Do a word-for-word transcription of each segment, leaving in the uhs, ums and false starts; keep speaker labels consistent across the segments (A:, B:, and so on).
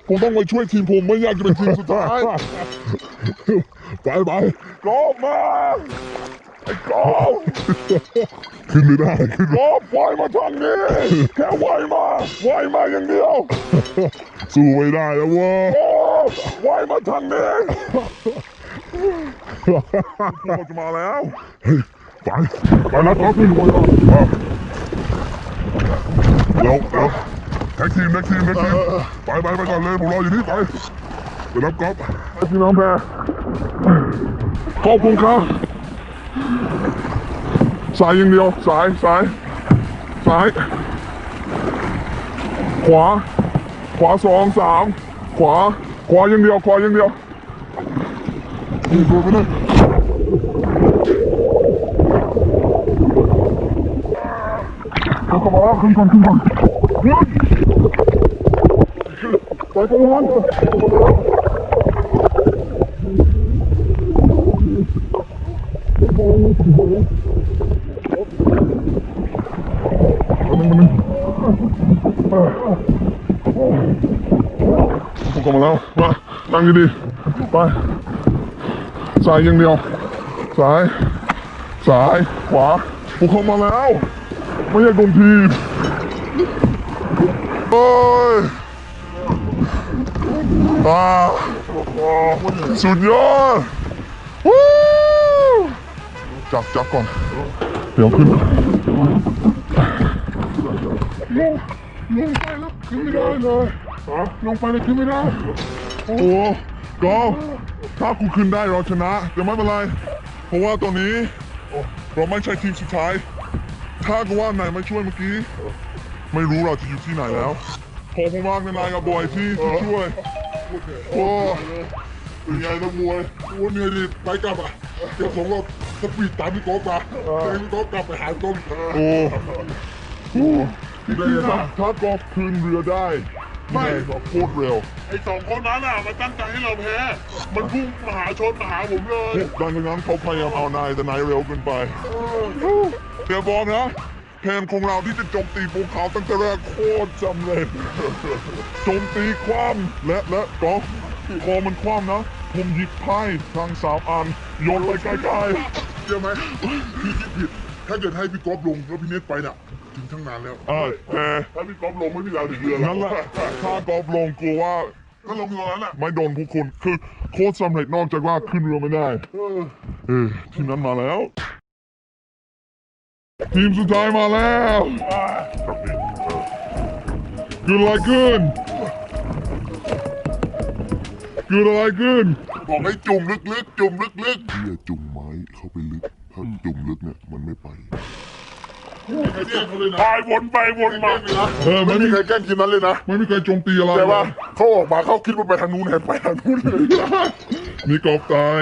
A: ผมต้องไปช่วยทีมผมไม่อยากจะเป็นทีมสุดท้ายไปไปกอบมาไอ้กอบขึ้นไม่ได้ขึ้นกอบปล่อยมาทางนี้แค่ไหวมาไหวมาอย่างเดียวสู้ไม่ได้แล้ววะกอบไหวมาทางนี้เราจะมาแล้วไปไปนะกอบขึ้นไปแล้วแล้วแท็กทีมแท็กทีมแท็กทีมไปไปไปก่อนเลยผมรออยู่นี่ไปไปรับกอล์ฟพี่น้องแพรขอบคุณครับสายอย่างเดียวสายสายสายขวาขวาสองสามขวาขวาอย่างเดียวขวาอย่างเดียวนี่ดูไปเลยขึ้นก่อนขึ้นก่อนขึ้นก่อนไปก่อนผมกลับมาแล้วมานั่งดีๆไปซ้ายอย่างเดียวซ้ายซ้ายขวาผมเข้ามาแล้วไม่อยากโดนทีมโอ้ยอ่าสุดยอดวู้จับจับก่อนเดี๋ยวขึ้นลงลงไปแล้วขึ้นไม่ได้เลยลงไปแล้วขึ้นไม่ได้โอ้ก็ถ้ากูขึ้นได้เราชนะแต่ไม่เป็นไรเพราะว่าตอนนี้เราไม่ใช่ทีมสุดท้ายถ้ากูว่าไหนมาช่วยเมื่อกี้ไม่รู้เราจะอยู่ที่ไหนแล้วขอบคุณมากนายกับบอยที่ที่ช่วยโอ้เป็นไงนักมวยโอ้เหนื่อยดิไปกลับอ่ะเดี๋ยวผมก็สปีดตามพี่โก๊กมาแต่พี่โก๊กกลับไปหาต้นโอ้โหถ้าถ้าก๊อกคืนเรือได้ไม่ก็โคตรเร็วไอ้สองคนนั้นอ่ะมันตั้งใจให้เราแพ้มันพุ่งมาหาชนมาหาผมเลยดังนั้นเขาพยายามเอานายแต่นายเร็วเกินไปเดี๋ยวบอกนะแผนของเราที่จะโจมตีภูเขาตั้งแต่แรกโคตรสำเร็จโจมตีคว่ำและและก็พอมันคว่ำนะผมหยิบไพ่ทั้งสามอันโยนไปไกลๆเชื่อไหมพี่คิดผิดถ้าเกิดให้พี่ก๊อฟลงแล้วพี่เน็ตไปน่ะถึงทั้งนานแล้วแต่ถ้าพี่ก๊อฟลงไม่มีเราถึงเรือแล้วนั่นแหละถ้าก๊อฟลงกลัวว่าถ้าลงเรือนั้นอ่ะไม่โดนพวกคุณคือโคตรสำเร็จนอกจากว่าขึ้นเรือไม่ได้เออทีมนั้นมาแล้วทีมสุดท้ายมาแล้วเกิดอะไรขึ้นเกิดอะไรขึ้นบอกให้จุ่มลึกๆจุ่มลึกๆพี่จะจุ่มไม้เข้าไปลึกถ้าจุ่มลึกเนี่ยมันไม่ไปพายวนไปวนมาเออไม่มีใครแกล้งทีมนั้นเลยนะไม่มีใครโจมตีอะไรแต่ว่าเขาออกมาเขาคิดว่าไปทางนู้นแทนไปทางนู้นเลยมีกอบตาย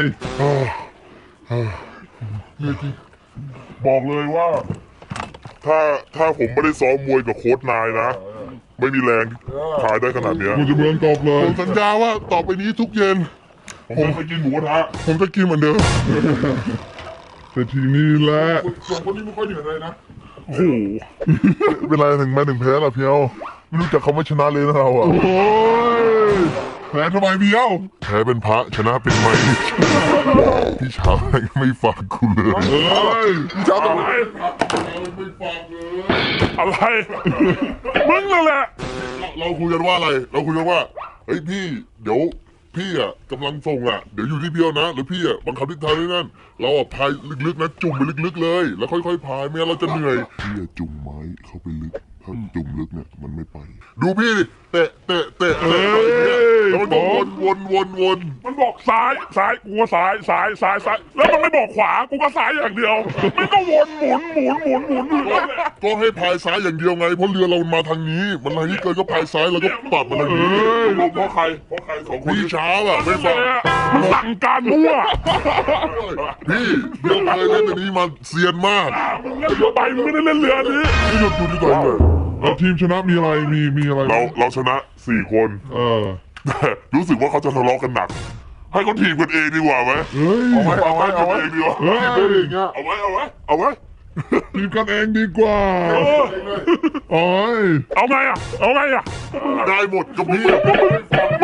A: บอกเลยว่าถ้าถ้าผมไม่ได้ซ้อมมวยกับโค้ชนายนะไม่มีแรงถ่ายได้ขนาดนี้ผมจะเบือนตอบเลยผมสัญญาว่าต่อไปนี้ทุกเย็นผมจะกินหมูกระทะผมจะกินเหมือนเดิมแต่ทีนี้แหละสองคนนี้ไม่ค่อยเหนื่อยเลยนะโอ้โหเป็นไรถึงแม้ถึงแพ้ล่ะเพียวไม่รู้จักคำว่าชนะเลยนะเราอ่ะโอ้ยแพ้ทำไมเพียวแพ้เป็นพระชนะเป็นไม้พี่เช้าไม่ฟังกูเลยเฮ้ยพี่เช้าทำไมไม่ฟังเลยอะไรมึงนั่นแหละเราคุยกันว่าอะไรเราคุยกันว่าเฮ้ยพี่เดี๋ยวพี่อ่ะกำลังส่งอ่ะเดี๋ยวอยู่ที่เพียวนะหรือพี่อ่ะบังคับทิศทางด้วยนั่นเราอ่ะพายลึกๆนะจุ่มไปลึกๆเลยแล้วค่อยๆพายไม่งั้นเราจะเหนื่อยพี่อ่ะจุ่มไม้เข้าไปลึกถ้าจุ่มลึกเนี่ยมันไม่ไปดูพี่ดิเตะเตะเตะเตะแล้วมันวนวนวนวนมันบอกซ้ายซ้ายกูก็ซ้ายซ้ายซ้ายซ้ายแล้วมันไม่บอกขวากูก็ซ้ายอย่างเดียวมันก็วนหมุนหมุนหมุนหมุนก็ให้พายซ้ายอย่างเดียวไงเพราะเรือเรามาทางนี้มันทางนี้เกินก็พายซ้ายแล้วก็ปรับมาทางนี้เพราะใครเพราะใครสองคนพี่ช้าอ่ะไม่ฟังสั่งการมั่วพี่เรือเคยเล่นอันนี้มาเซียนมากเรือใบไม่ได้เล่นเรือนี้ไม่หยุดดูดีกว่าเลยแล้วทีมชนะมีอะไรมีมีอะไรเราเราชนะสี่คนเออรู้สึกว่าเขาจะทะเลาะกันหนักให้เขาทีมกันเองดีกว่าไหมเอาไว้เอาไว้เอาไว้ดีกว่าเอาไว้เอาไว้เอาไว้ทีมกันเองดีกว่าโอ้ยเอาไงอ่ะเอาไงอ่ะได้หมดกับพี่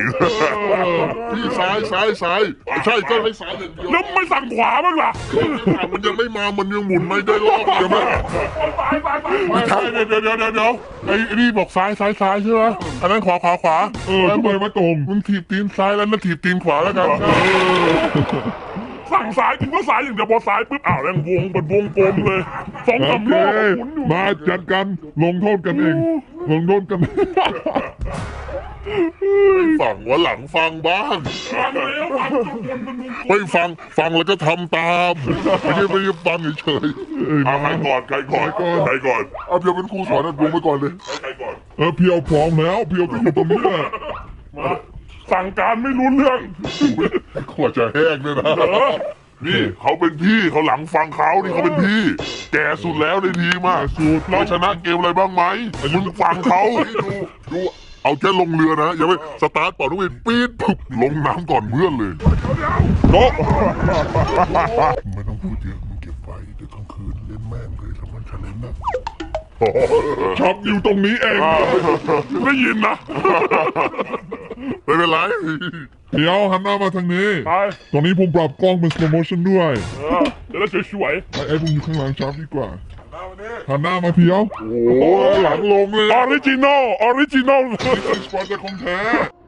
A: พี่ซ้ายซ้ายซ้ายใช่ก็ให้ซ้ายอย่างเดียวแล้วไม่สั่งขวาบ้างล่ะมันยังไม่มามันยังหมุนไม่ได้รอบใช่ไหมไม่ใช่เดี๋ยวเดี๋ยวเดี๋ยวเดี๋ยวไอ้นี่บอกซ้ายซ้ายซ้ายใช่ไหมอันนั้นขวาขวาขวาเออทำไมมาตรงมึงถีบตีนซ้ายแล้วนั่นถีบตีนขวาแล้วกันสั่งซ้ายกูก็ซ้ายอย่างเดียวพอซ้ายปุ๊บอ้าวแรงวงเป็นวงกลมเลยสองสามรอบมาจัดกันลงโทษกันเองลงโทษกันฟังว่าหลังฟังบ้างฟังแล้วไม่ฟังฟังแล้วก็ทำตามไม่ใช่ไม่ใช่ฟังเฉยๆเอาใครก่อนใครก่อนใครก่อนเอาเพียวเป็นครูสอนนะวงไปก่อนเลยใครก่อนเออเพียวพร้อมแล้วเพียวก็อยู่ตรงนี้แหละมาสั่งการไม่รู้เรื่องขวดจะแห้งเลยนะนี่เขาเป็นพี่เขาหลังฟังเขานี่เขาเป็นพี่แก่สุดแล้วในทีมอ่ะเราชนะเกมอะไรบ้างไหมมึงฟังเขาดูดูเอาแค่ลงเรือนะอย่าไปสตาร์ทปอดทุกทีปี๊ดปุ๊บลงน้ำก่อนเพื่อนเลยโนไม่ต้องพูดเยอะมึงเก็บไว้เดี๋ยวกลางคืนเล่นแม่งเลยแล้วมันจะเล่นนะชอบอยู่ตรงนี้เองได้ยินนะไม่เป็นไรเดี๋ยวหันหน้ามาทางนี้ตรงนี้ผมปรับกล้องเป็น slow motion ด้วยจะได้สวยๆไอ้ไอ้ผมอยู่ข้างหลังชาร์ปดีกว่าหันหน้ามาเพียวโอ้หลังลงเลยออริจินอลออริจินอลนี่คือสปอร์ตของแท้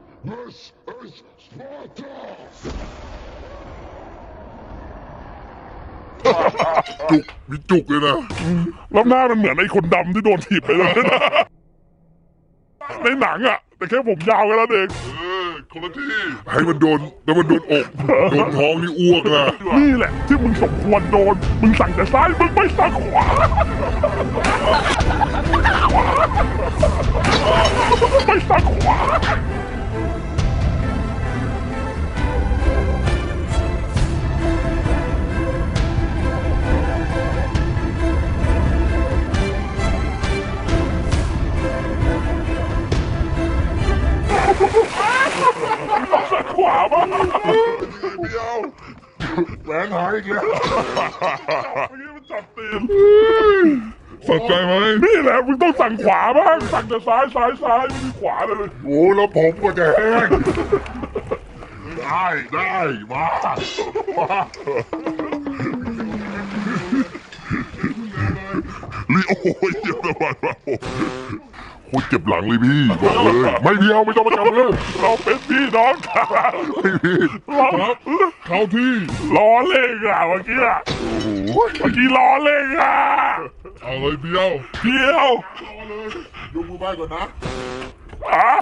A: จุกมีจุกเลยนะแล้วหน้ามันเหมือนไอ้คนดำที่โดนถีบไปเลยนะในหนังอ่ะแต่แค่ผมยาวกันแล้วเองเออคนละที่ให้มันโดนแล้วมันโดนอกโดนท้องนี่อ้วกนะนี่แหละที่มึงสมควรโดนมึงสั่งแต่ซ้ายมึงไม่สั่งขวาไม่สั่งขวาสั่งขวาบ้างเดียวแหวนหายอีกแล้วเมื่อกี้มันจับตีนสนใจไหมนี่แหละมึงต้องสั่งขวาบ้างสั่งแต่ซ้ายซ้ายซ้ายไม่มีขวาเลยโอ้แล้วผมก็จะแห้งได้ได้มามาลีโอ้ยเจ็บระบาดมาโคตรเจ็บหลังเลยพี่บอกเลยไม่เดียวไม่ต้องมาจับเลยเราเป็นพี่น้องกันไม่พี่ครับเขาที่ล้อเล่นอ่ะเมื่อกี้อ่ะโอ้โหเมื่อกี้ล้อเล่นอ่ะเอาเลยเดียวเดียวยกมือไหว้ก่อนนะอ่ะ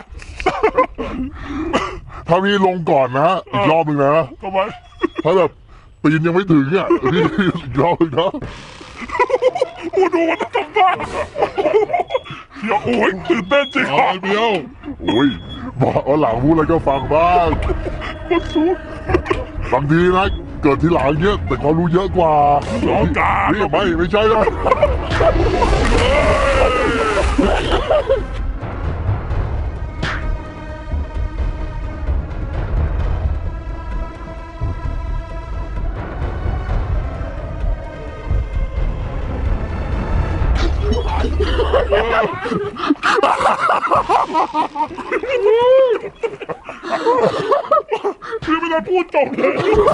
A: ถ้าพี่ลงก่อนนะอีกรอบหนึ่งนะทำไมถ้าแบบปีนยังไม่ถึงอ่ะพี่อีกรอบหนึ่งนะโอ้ดูมันทำบ้าเดี๋ยวโอ้ยตื่นเต้นจริงอ่ะเดียวโอ้ยบอกว่าหลังพูดอะไรก็ฟังบ้างมันสูงบางทีนะเกิดทีหลังเยอะแต่เขารู้เยอะกว่าร้องกานี่ไม่ไม่ใช่นะพี่ไม่ได้พูดจบเลย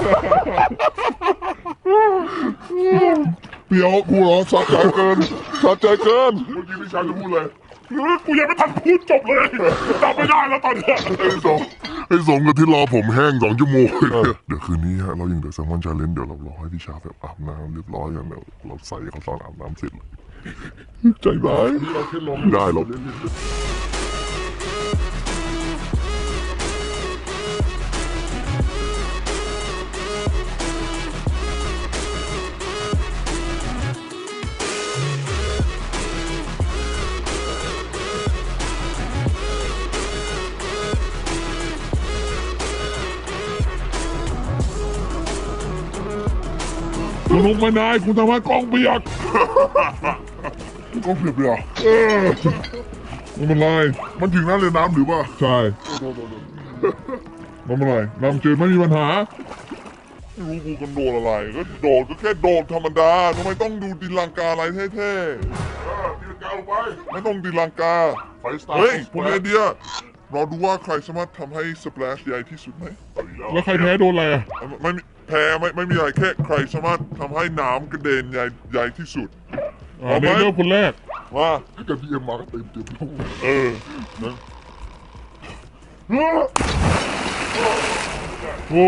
A: เปียวกูเหรอสะใจเกินสะใจเกินเมื่อกี้พี่ชายจะพูดเลยกูยังไม่ทันพูดจบเลยจำไม่ได้แล้วตอนนี้ไอ้สงไอ้สงกับที่รอผมแห้งสองชั่วโมงเดี๋ยวคืนนี้ฮะเรายังเดี๋ยวแซมมอนชาเลนจ์เดี๋ยวเรารอให้พี่ชาแบบอาบน้ำเรียบร้อยกันเดี๋ยวเราใส่เขาตอนอาบน้ำเสร็จเลยใจร้ายได้หรอกคุณลุกไม่ได้คุณทำให้กล้องเปียกกล้องเปียกเปียกเออมันเป็นไรมันถึงน้ำเลยน้ำหรือเปล่าใช่มันเป็นไรน้ำจืดไม่มีปัญหาไม่รู้กูกันโดนอะไรก็โดดก็แค่โดดธรรมดาทำไมต้องดูตีลังกาอะไรเท่ๆตีลังกาลงไปไม่ต้องตีลังกาไฟสตาร์เฮ้ยผมมีไอเดียรอดูว่าใครสามารถทำให้สเปลชใหญ่ที่สุดไหม
B: แล้วใครแพ้โดนอะไรอ่ะ
A: ไม่มีแพ้ไม่ไม่มีอะไรแค่ใครสามารถทำให้น้ำกระเด็นใหญ่ใหญ่ที่สุด
B: อ่าเนเธอร์คนแรก
A: ว่าถ้าเกิดพี่เอ็มมาก็เต็มเต็มเออนะ
B: โอ้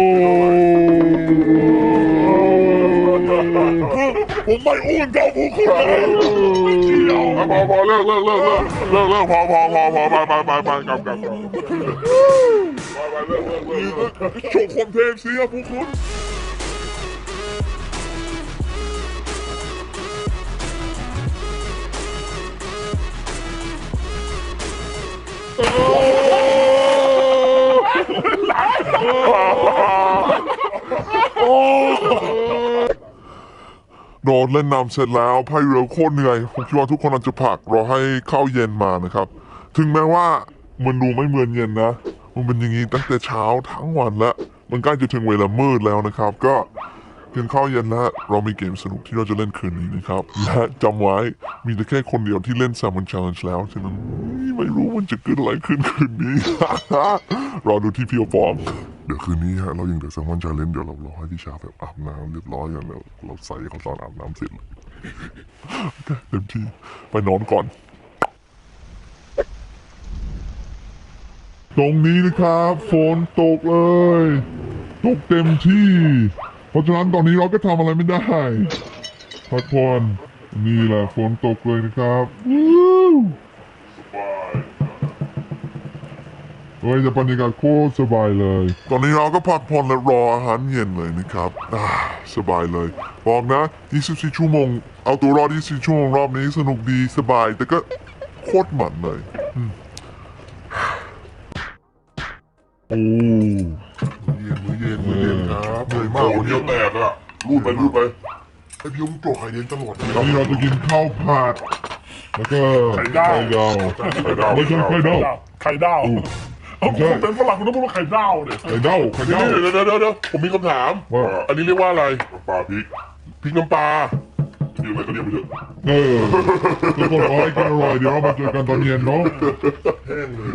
A: ผมไม่อ้วนเท่าพวกคุณไม่เกี่ยวพอพอเลิกเลิกเลิกเลิกเลิกเลิกพอพอพอพอไปไปไปไปกลับกลับกลับไปไปเลิกเลิกเลิกเลิกโชว์ความเทพสิครับพวกคุณโดนเล่นน้ำเสร็จแล้วพายเรือโคตรเหนื่อยผมคิดว่าทุกคนอาจจะพักรอให้ข้าวเย็นมานะครับ ถึงแม้ว่ามันดูไม่เหมือนเย็นนะ มันเป็นอย่างนี้ตั้งแต่เช้าทั้งวันแล้ว มันใกล้จะถึงเวลามืดแล้วนะครับ ก็กินข้าวเย็นแล้วเรามีเกมสนุกที่เราจะเล่นคืนนี้นะครับ และจำไว้มีแต่แค่คนเดียวที่เล่น Salmon Challenge แล้วฉะนั้นไม่รู้มันจะเกิดอะไรขึ้นคืนนี้ รอดูที่พี่โอปอมเดี๋ยวคืนนี้ฮะเรายังเดี๋ยว Salmon Challenge เดี๋ยวเรารอให้พี่ชาแบบอาบน้ำเรียบร้อยอย่างแล้วเราใส่เขาตอนอาบน้ำเสร็จเลยเต็มที่ไปนอนก่อน ตรงนี้นะครับฝนตกเลยตกเต็มที่ เพราะฉะนั้นตอนนี้เราก็ทำอะไรไม่ได้พักผ่อนนี่แหละฝนตกเลยนะครับวู้เฮ้ยจะบรรยากาศโคตรสบายเลย ตอนนี้เราก็พักผ่อนและรออาหารเย็นเลยนะครับอ่าสบายเลยบอกนะยี่สิบสี่ชั่วโมงเอาตัวรอดยี่สิบสี่ชั่วโมงรอบนี้สนุกดีสบายแต่ก็โคตรมันเลยอืมโอ้มื้อเย็นมื้อเย็นมื้อเย็นครับเหนื่อยมากวันนี้แตกอะรูดไปรูดไปไอพี่ยงโจกไข่เย็นตลอดเลยนี่เราจะกินข้าวผัดแล้วก็ไข่ดาวไข่ดาวไม่ใช่ไข่ดาว
B: ไข่ดาวเอาคุณเป็นฝรั่งคุณต้องพูดว่าไข่ดาวเนี่ย
A: ไข่ดาวไข่ดาวเดี๋ยวเดี๋ยวเดี๋ยวเดี๋ยวผมมีคำถามว่าอันนี้เรียกว่าอะไรปลาพริกพริกน้ำปลาเรียกอะไรก็เรียกไปเถอะเออทุกคนขอให้กินอร่อยเดี๋ยวเรามาเจอกันตอนเย็นเนาะแห้งเลย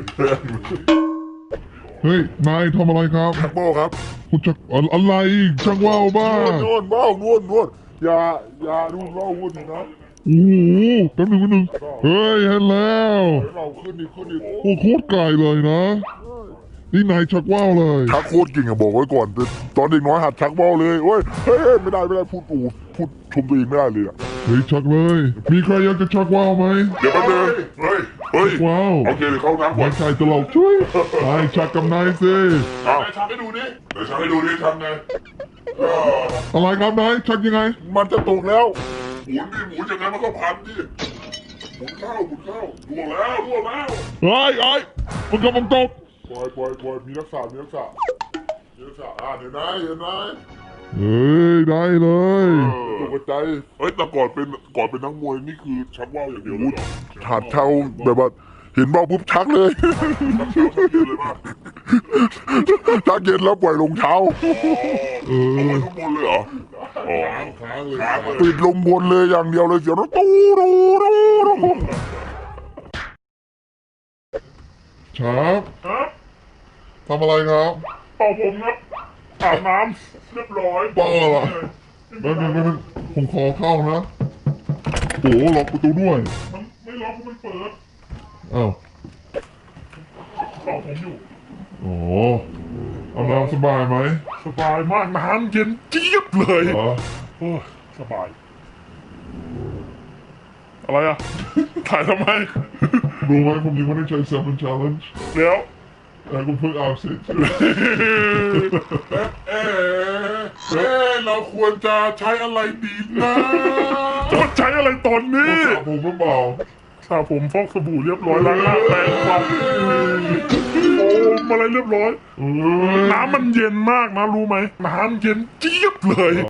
A: เฮ้ยนายทำอะไรครับชักว่าวครับคุณชักอะไรชักว่าวบ้านวดว่าววนวนวนอย่าอย่าดูว่าววนนะโอ้โหแป๊บหนึงแป๊บหนึงเฮ้ยเห็นแล้วเราขึ้นอีกขึ้นอีกโอ้โคตรไกลเลยนะนี่นายชักว่าวเลยชักโคตรเก่งอะบอกไว้ก่อนตอนเด็กน้อยหัดชักว่าวเลยโอ้ยเฮ้ยไม่ได้ไม่ได้พูดอูพูดชมตัวเองไม่ได้เลยอะเฮ้ยชักเลยมีใครอยากจะชักว่าวไหมเดี๋ยวแป๊บนึงเฮ้ยเฮ้ยว้าวโอเคเดี๋ยวเข้าน้ำก่อนใช่ตลกช่วยนายชักกับนายสิเอาชักให้ดูดิเดี๋ยวชักให้ดูดิชักไงอะไรครับนายชักยังไงมันจะตกแล้วหมุนดิหมุนอย่างนั้นมันก็พันดิหมุนเข้าหมุนเข้าล่วงแล้วล่วงแล้วเฮ้ยเฮ้ยมันกำลังตกปล่อยปล่อยปล่อยมีรักษามีรักษามีรักษาอ่าเห็นไหมเห็นไหมเฮ้ยได้เลยตกใจเฮ้ยแต่ก่อนเป็นก่อนเป็นนักมวยนี่คือชักว่าวอย่างเดียวเลยหัดเท้าแบบว่าเห็นว่าวปุ๊บชักเลยชักเย็นแล้วปล่อยลงเท้าเออลงบนเลยเหรออ๋อปิดลงบนเลยอย่างเดียวเลยเสียงตู้ตู้ตู้ครับทำอะไรครับเป่าผมครับอาบน้ำเรียบร้อยเป่าอะไรแป๊บนึงแป๊บนึงผมขอเข้านะโอ้ล็อกประตูด้วยมันไม่ล็อกมันเปิดอ้าวเป่าผมอยู่โอ้เอาน้ำสบายไหมสบายมากน้ำเย็นเจี๊ยบเลยโอ้สบายอะไรอ่ะถ่ายทำไมรู้ไหมผมยังไม่ได้ใช้ Salmon Challenge เดี๋ยวแต่คุณเพิ่งอาบเสร็จเอ๊ะเอ๊ะเราควรจะใช้อะไรดีนะจะใช้อะไรตอนนี้สระผมหรือเปล่าสระผมฟอกสบู่เรียบร้อยล้างหน้าแปรงฟันโอ้อะไรเรียบร้อยน้ำมันเย็นมากนะรู้ไหมน้ำเย็นเจี๊ยบเลย